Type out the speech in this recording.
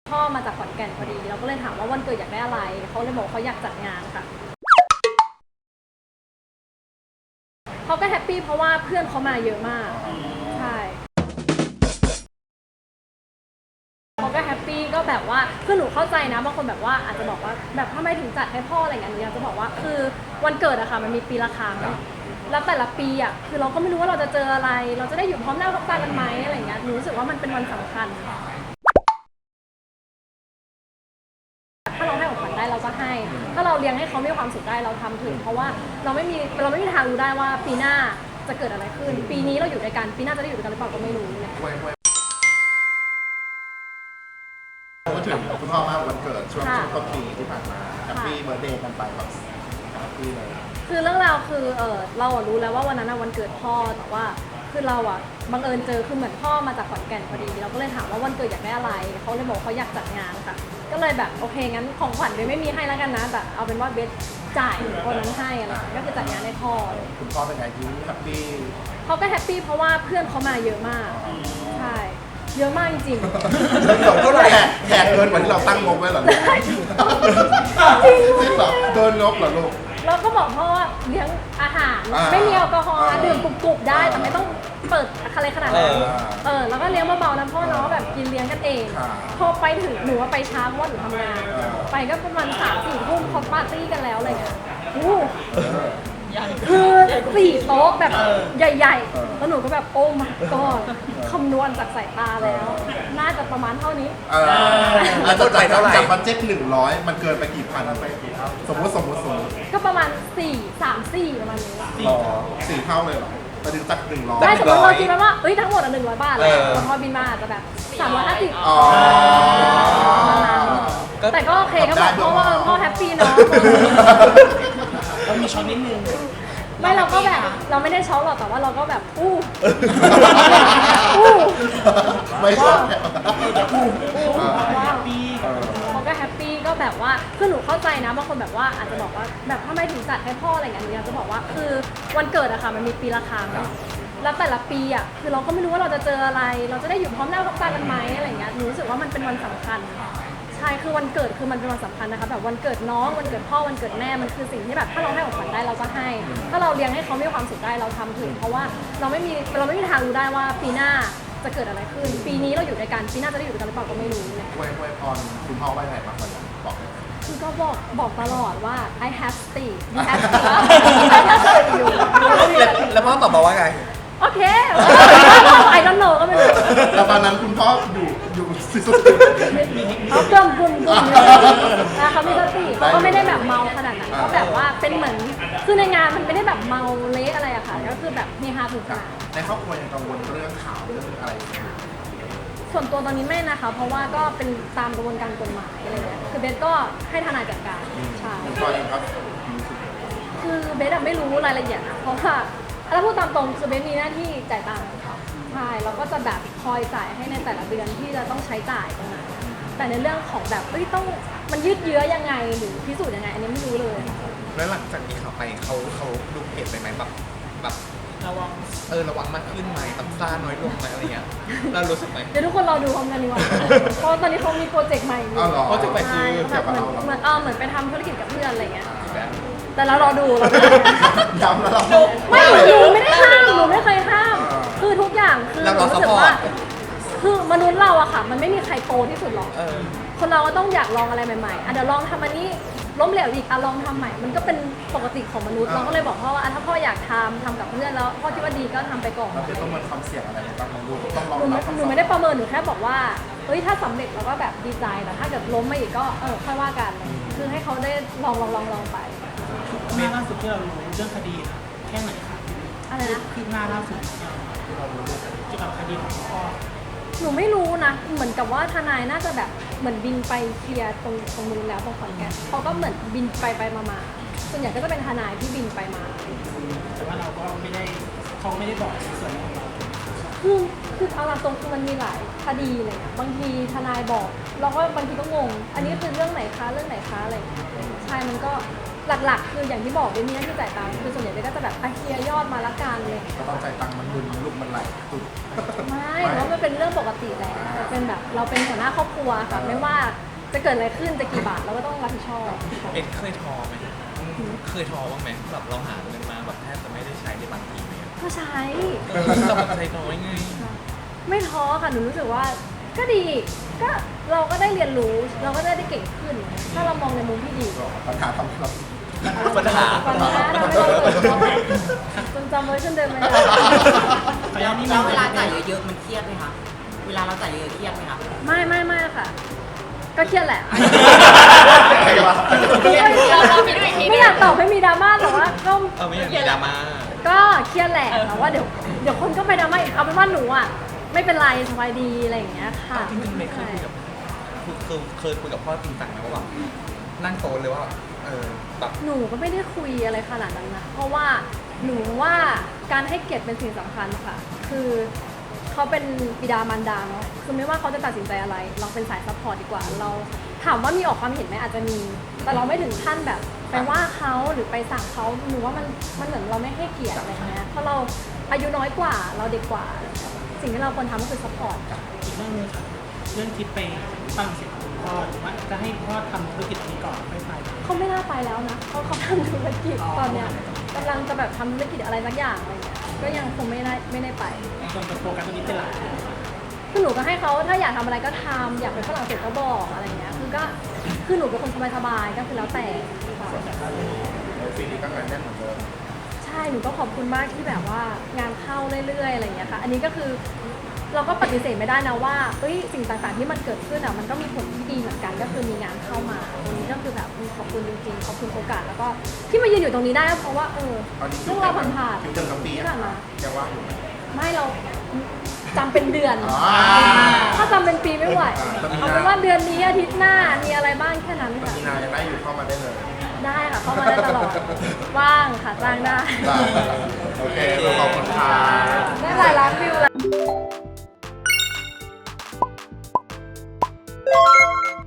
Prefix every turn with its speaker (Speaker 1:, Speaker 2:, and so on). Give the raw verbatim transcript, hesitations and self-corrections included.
Speaker 1: พ่อมาจากขอนแก่นพอดีเราก็เลยถามว่าวันเกิดอยากได้อะไรเขาเลยบอกเขาอยากจัดงานค่ะเขาก็แฮปปี้เพราะว่าเพื่อนเขามาเยอะมากใช่เขาก็แฮปปี้ก็แบบว่าคือหนูเข้าใจนะบางคนแบบว่าอาจจะบอกว่าแบบทำไมถึงจัดให้พ่ออะไรอย่างเงี้ยหนูอยากจะบอกว่าคือวันเกิดอะค่ะมันมีปีละครั้งแล้วแต่ละปีอะคือเราก็ไม่รู้ว่าเราจะเจออะไรเราจะได้อยู่พร้อมหน้าพร้อมตากันไหมอะไรอย่างเงี้ยหนูรู้สึกว่ามันเป็นวันสำคัญถ้าเราให้ของขวัญได้เราก็ให้ถ้าเราเลี้ยงให้เขามีความสุขได้เราทำถึงเพราะว่าเราไม่มีเราไม่มีทางรู้ได้ว่าปีหน้าจะเกิดอะไรขึ้นปีนี้เราอยู่ด้วยกันปีหน้าจะได้อยู่ด้วยกันหรือเปล่าก็ไม่รู้เนี่ย
Speaker 2: พูดถึงคุณพ่อมาวันเกิดช่วงช่วงต้นปีที่ผ่านมาแฮปปี้เบิร์ธเดย์กันไปแบบแฮปปี้เลย
Speaker 1: คือเรื่องราวคือเออเรารู้แล้วว่าวันนั้นวันเกิดพ่อแต่ว่าคือเราอ่ะบังเอิญเจอคือเหมือนพ่อมาจากขอนแก่นพอดีเราก็เลยถามว่าวันเกิดอยากได้อะไรเขาเลยบอกเขาอยากจัดงานค่ะก็เลยแบบโอเคงั้นของขวัญเบสไม่มีให้แล้วกันนะแต่เอาเป็นว่าเบสจ่ายคนนั้นให้อะไรก็คือจัดงานให้พ่อ
Speaker 2: คุณพ่อเป็นไงยิ้มแฮปปี้
Speaker 1: เขาก็แฮปปี้เพราะว่าเพื่อนเขามาเยอะมากใช่เยอะมากจริงๆ
Speaker 2: เงินสดเท่าไหร่แขกเกินกว่าที่เราตั้งงบไว้เหรอลูกจริงเหรอเกินงบเหรอลูก
Speaker 1: เราก็บอกพ่อว่าเลี้ยงอาหารไม่มีแอลกอฮอล์ดื่มกรุบๆได้แต่ไม่ต้องเปิดอะไรขนาดนั้นเออแล้วก็เลี้ยงเบาๆนะพ่อเนาะแบบกินเลี้ยงกันเองพอไปถึงหนูว่าไปช้าเพราะว่าหนูทำงานไปก็ประมาณสามสี่ทุ่มเขาปาร์ตี้กันแล้วอะไรเงี้ยอู้คือสี่โต๊ะแบบใหญ่ๆแล้วหนูก็แบบโอ้ my god คำนวณจากสายตาแล้วน่าจะประมาณเท่านี้
Speaker 2: แล้วจะจ่ายเท่าไหร่จากบัตเจ็ตหนึ่งร้อยมันเกินไปกี่พันไปกี่เท่าสมมติสมมติสมมติ
Speaker 1: ก็ประมาณสี่สามสี่ประมาณนี้
Speaker 2: สี่เท่าเลยเหรอมาถึงจากหนึ่งร้อย
Speaker 1: ได้สมมติเราคิดว่าเอ้ยทั้งหมดอ่ะหนึ่งร้อยบาทเลยพอบินมาอาจจะแบบสามร้อยห้าสิบแต่ก็โอเคก็บอกเพราะว่าพ่อแฮปปี้เนาะ
Speaker 3: เรามีช้อนนิดนึง
Speaker 1: ไม่เราก็แบบเราไม่ได้ช็อปหรอกแต่ว่าเราก็แบบอู้อู้
Speaker 2: ไม่ชอบ
Speaker 1: อู้ว้าวเขาก็แฮปปี้ก็แบบว่าคือหนูเข้าใจนะบางคนแบบว่าอาจจะบอกว่าแบบทำไมถึงจัดให้พ่ออะไรอย่างเงี้ยหนูอยากจะบอกว่าคือวันเกิดอะค่ะมันมีปีละครั้งแล้วแต่ละปีอะคือเราก็ไม่รู้ว่าเราจะเจออะไรเราจะได้อยู่พร้อมหน้าพร้อมตากันไหมอะไรอย่างเงี้ยหนูรู้สึกว่ามันเป็นวันสำคัญใช่คือวันเกิดคือมันเป็นวันสำคัญนะคะแบบวันเกิดน้องวันเกิดพ่อวันเกิดแม่มันคือสิ่งที่แบบถ้าเราให้ของขวัญได้เราก็ให้ถ้าเราเลี้ยงให้เขามีความสุขได้เราทำถึงเพราะว่าเราไม่มีเราไม่มีทางรู้ได้ว่าปีหน้าจะเกิดอะไรขึ้นปีนี้เราอยู่ด้วยกันปีหน้าจะได้อยู่ด้วยกันหรือเปล่าก็ไม่รู้เนี่ย
Speaker 2: อวยอวยพรคุณพ่อว่าไงบ้างวันนี้บอก
Speaker 1: คือก็บอกบอกตลอดว่า I have stayed you have stayed I have stayed you
Speaker 3: แล้วพ่อตอบมาว่าไง
Speaker 1: โอเคไอ้ดอนโนก็ไม่รู้
Speaker 2: แล้วตอนนั้นคุณพ่ออยู่อยู่สุด
Speaker 1: เขาเกิมบุญบุญนะเขามีสติเขาก็ไม่ได้แบบเมาขนาดนั้นเขาแบบว่าเป็นเหมือนคือในงานมันไม่ได้แบบเมาเละอะไรอะค่ะก็คือแบบเฮฮาถูกค่ะ
Speaker 2: ในครอบครัวยังกังวลเรื่องข่าวเรื่องอะไร
Speaker 1: ส่วนตัวตอนนี้ไม่นะคะเพราะว่าก็เป็นตามกระบวนการกฎหมายอะไรเงี้ยคือเบสก็ให้ทนายจัดการใช่คือเบสไม่รู้รายละเอียดนะเพราะว่าแล้วพูดตามตรงคือเบสมีหน้าที่จ่ายตังค์ใช่แล้วก็จะแบบคอยจ่ายให้ในแต่ละเดือนที่จะต้องใช้จ่ายตรงนั้นแต่ในเรื่องของแบบเอ้ยต้องมันยืดเยื้อยังไงหรือพิสูจน์ยังไงอันนี้ไม่รู้เลย
Speaker 3: แล้วหลังจากนี้ข่าวไปเขาเขาดูเปลี่ยนไปไหมแบบแบบระวังเออระวังมากขึ้นไหมตับซ่าน้อยลงไหมอะไรเงี้ยเรารู้สึกไหม
Speaker 1: เดี๋ยวทุกคนรอดูพร้อมกันดีกว่าเพราะตอนนี้เขามีโปรเจกต์ใหม่อยู่
Speaker 2: โปรเจกต์ใหม่คือ
Speaker 1: แบบเหมือนเหมือนเออเหมือนไปทำธุรกิจกับเพื่อนอะไรเงี้ยแต่เรารอดูเรา
Speaker 2: ย้ำแล้วเรา
Speaker 1: ไม่หนูไม่ได้ห้ามหนูไม่เคยห้ามคือทุกอย่างคือรู้สึกว่าคือมนุษย์เราอะค่ะมันไม่มีใครโตที่สุดหรอกคนเราก็ต้องอยากลองอะไรใหม่ๆอ่ะเดี๋ยวลองทำอันนี้ล้มเหลวอีกอ่ะลองทำใหม่มันก็เป็นปกติของมนุษย์เราก็เลยบอกพ่อว่าถ้าพ่ออยากทำทำกับเพื่อนแล้วพ่อคิดว่าดีก็ทำไปก่อน
Speaker 2: เราต้องมันความเสี่ยงอะไรบ้างลูกต้องลอง
Speaker 1: หนูไม่ได้ประเมินหนูแค่บอกว่าเฮ้ยถ้าสำเร็จเราก็แบบดีใจแต่ถ้าเกิดล้มมาอีกก็เออค่อยว่ากันคือให้เขาได้ลองลองลองลองไป
Speaker 3: เรื่องล่าสุดที่เรารู้เรื่องคดีแค่ไหนคะ
Speaker 1: อะไรนะ
Speaker 3: คืบหน้าล่าสุดที่เรารู้เกี่ยวกับคดีของพ่อ
Speaker 1: หนูไม่รู้นะเหมือนกับว่าทนายน่าจะแบบเหมือนบินไปเคลียร์ตรงตรงนู้นแล้วตรงขอนแก่นเขาก็เหมือนบินไปไปมามาส่วนใหญ่ก็จะเป็นทนายที่บินไปมา
Speaker 3: แต่ว่าเราก็ไม่ได้เขาไม่ได้บอกส่วนของเรา
Speaker 1: คือคือเอาตรงคือมันมีหลายคดีเลยบางทีทนายบอกเราก็บางทีก็งงอันนี้คือเรื่องไหนคะเรื่องไหนคะอะไรใช่มันก็หลักๆ คืออย่างที่บอกเบนมีหน้าที่จ่ายตังค์คือส่วนใหญ่เบนก็จะแบบอ่ะเคลียร์ยอดมาละกันเลย
Speaker 2: ก็ต้องจ่ายตังค์มันดุนลูกมันไหลตุด
Speaker 1: ไม่เพราะมันเป็นเรื่องปกติแหละแต่เป็นแบบเราเป็นหัวหน้าครอบครัวค่ะไม่ว่าจะเกิดอะไรขึ้นจะกี่บาทเราก็ต้องรับผิดชอบ
Speaker 3: เอ็ดเคยท้อไหมเคยท้อบ้างไหมแบบเราหาเงินมาแบบแทบจะไม่ได้ใช้ในบางทีเนี่ย
Speaker 1: ก็ใช้
Speaker 3: เราแบบใช้น้อยไง
Speaker 1: ไม่ท้อค่ะหนูรู้สึกว่าก็ดีก็เราก็ได้เรียนรู้เราก็ได้ได้เก่งขึ้น ถ้าเรามองในมุมที่ดี
Speaker 2: ปัญหาทำครับ
Speaker 3: ปัญหา
Speaker 1: ปัญหาเราไม่ต้องเปิดเขาจนจำเวอร์ชันเดิมไม่ได้
Speaker 4: แล้วเวลาจ่ายเยอะๆมันเครียดไหมคะ เวลาเราจ่ายเยอะๆเครียดไหมคะ
Speaker 1: ไม่ไม่ไม่ค่ะ ก็เครียดแหละ
Speaker 2: ใครวะ
Speaker 1: ไม่อยากตอบให้มีดราม่าแต่ว่าก็
Speaker 3: เออไม่อยากมีดราม่า
Speaker 1: ก็เครียดแหละแต่ว่าเดี๋ยวเดี๋ยวคนก็ไปดราม่าอีกเอาเป็นว่าหนูอ่ะไม่เป็นไรสบายดีอะไรอย่างเงี้ยค่ะ
Speaker 3: จริงๆไม่เคยคุยกับคือคือเคยคุยกับพ่อจริงจังไหมว่าแบบนั่งโต๊ะเลยว่าเออแบบ
Speaker 1: หนูก็ไม่ได้คุยอะไรขนาดนั้นนะเพราะว่าหนูว่าการให้เกียรติเป็นสิ่งสำคัญค่ะ คือเขาเป็นบิดามารดาเนาะคือไม่ว่าเขาจะตัดสินใจอะไร เราเป็นสายซัพพอร์ตดีกว่า เราถามว่ามีออกความเห็นไหมอาจจะมี แต่เราไม่ถึงขั้นแบบไปว่าเขาหรือไปสั่งเขาหนูว่ามันมันเหมือนเราไม่ให้เกียรติอะไรเงี้ยเพราะเราอายุน้อยกว่าเราเด็กกว่า สิ่งที่เราควรทำก็คือซัพพอร์ต
Speaker 5: อีกเรื่องหนึงค่ะเรื่องทริปไปฝรั่งเศสกับคุณพ่อหรือว่าจะให้พ่อทำธุรกิจนี้ก่อนไม่ไป
Speaker 1: เขาไม่น่าไปแล้วนะเขาเขาทำธุรกิจตอนเนี้ยกำลังจะแบบทำธุรกิจอะไรสักอย่างอะไรเงี้ยก็ยังคงไม่ได้ไม่ได้ไป
Speaker 5: จนจะโฟกัสตรงนี้เป็นหลัก
Speaker 1: คือหนูก็ให้เขาถ้าอยากทำอะไรก็ทำอยากไปฝรั่งเศสก็บอกอะไรเงี้ยคือก็คือหนูเป็นคนสบายๆก็คือแล้วแต่ค่ะ
Speaker 2: ปีนี้ก็งานแน่นเหมือนเดิม
Speaker 1: ใช่หนูก็ขอบคุณมากที่แบบว่างานเข้าเรื่อยๆอะไรเงี้ยค่ะอันนี้ก็คือเราก็ปฏิเสธไม่ได้นะว่าเอ้ยสิ่งต่างๆที่มันเกิดขึ้นอ่ะมันก็มีผลที่ดีเหมือนกันก็คือมีงานเข้ามาตรงนี้ก็คือแบบขอบคุณจริงๆขอบคุณโอกาสแล้วก็ที่มายืนอยู่ตรงนี้ได้ก็เพราะว่าเออ
Speaker 2: ตอนนี้
Speaker 1: เรื่องเราผ่านๆ
Speaker 2: คิวเดิมกับปี
Speaker 1: ที่
Speaker 2: อะ
Speaker 1: ผ่านมา
Speaker 2: ยังว่างอยู่ไหม
Speaker 1: ไม่เราจำเป็นเดือน
Speaker 2: อ๋อ
Speaker 1: ถ้าจำเป็นปีไม่ไหว
Speaker 2: อ่า
Speaker 1: เอาเป็นว่าเดือนนี้อาทิตย์หน้ามีอะไรบ้างแค่นั้นค่ะ
Speaker 2: มีนายังได้อยู่เข้ามาได้เลย
Speaker 1: ได้ค่ะเข้ามาได้ตลอด ว่างค่ะจ้างได้
Speaker 2: ได้โอเคขอบคุณค่ะ
Speaker 1: ได้หลายร้าน